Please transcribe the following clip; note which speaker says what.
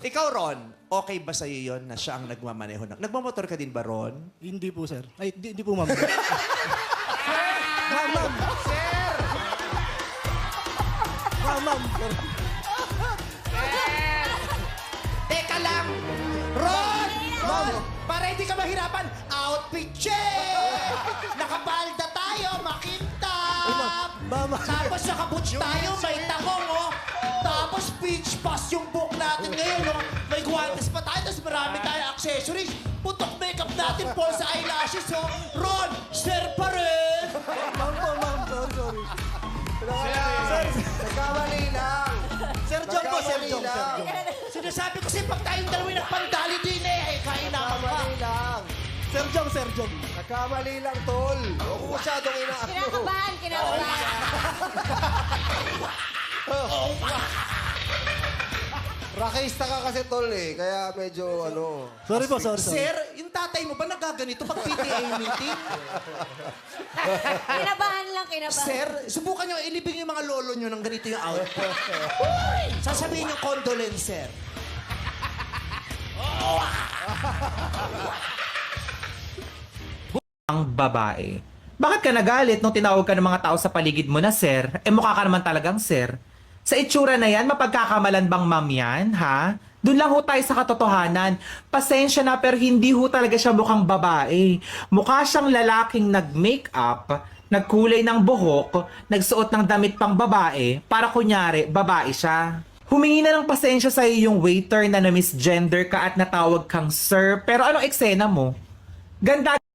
Speaker 1: Ikaw, Ron, okay ba sa'yo yun na siya ang nagmamaneho? Nagmamotor ka din ba, Ron?
Speaker 2: Hindi po, sir. Ay, hindi po, ma'am. Ma'am.
Speaker 1: Sir!
Speaker 2: Ma'am.
Speaker 1: Teka lang! Ron! Ron! Para hindi ka mahirapan, outfit check! Nakapalda tayo, makintab!
Speaker 2: Ma'am.
Speaker 1: Tapos nakaboots tayo, may takong, oh! Tapos peach pass yung book natin ngayon, oh! May guantes pa tayo, tapos marami tayong accessories. Putok makeup natin, false eyelashes, oh! Ron! Sir pa rin!
Speaker 2: Ma'am po, ma'am. Sorry.
Speaker 3: Nagkamali lang.
Speaker 2: Sir John po, Sir John.
Speaker 1: Sinasabi ko sa'yo, pag tayong dalawa nagpandali din eh, kain naman ka.
Speaker 3: Nagkamali lang.
Speaker 2: Sir John.
Speaker 3: Nagkamali lang, tol. Huwag mo masyadong inaano.
Speaker 4: Kinakabahan.
Speaker 3: Rakista ka kasi, tol eh. Kaya medyo ano.
Speaker 2: Sorry po, sorry.
Speaker 1: Sir, yung tatay mo ba nagaganito pag PTA meeting?
Speaker 4: Kinabahan.
Speaker 1: Sir, subukan nyo, ilibing yung mga lolo nyo ng ganito yung outfit. Sasabihin yung condolence, sir.
Speaker 5: Ang babae. Bakit ka nagalit nung tinawag ka ng mga tao sa paligid mo na sir? Eh mukha ka naman talagang sir. Sa itsura na yan, mapagkakamalan bang ma'am yan, ha? Doon lang ho tayo sa katotohanan. Pasensya na pero hindi ho talaga siya mukhang babae. Mukha siyang lalaking nag-makeup, nagkulay ng buhok, nagsuot ng damit pang babae, para kunyari, babae siya. Humingi na ng pasensya sa yung waiter na na-misgender ka at natawag kang sir, pero anong eksena mo? Ganda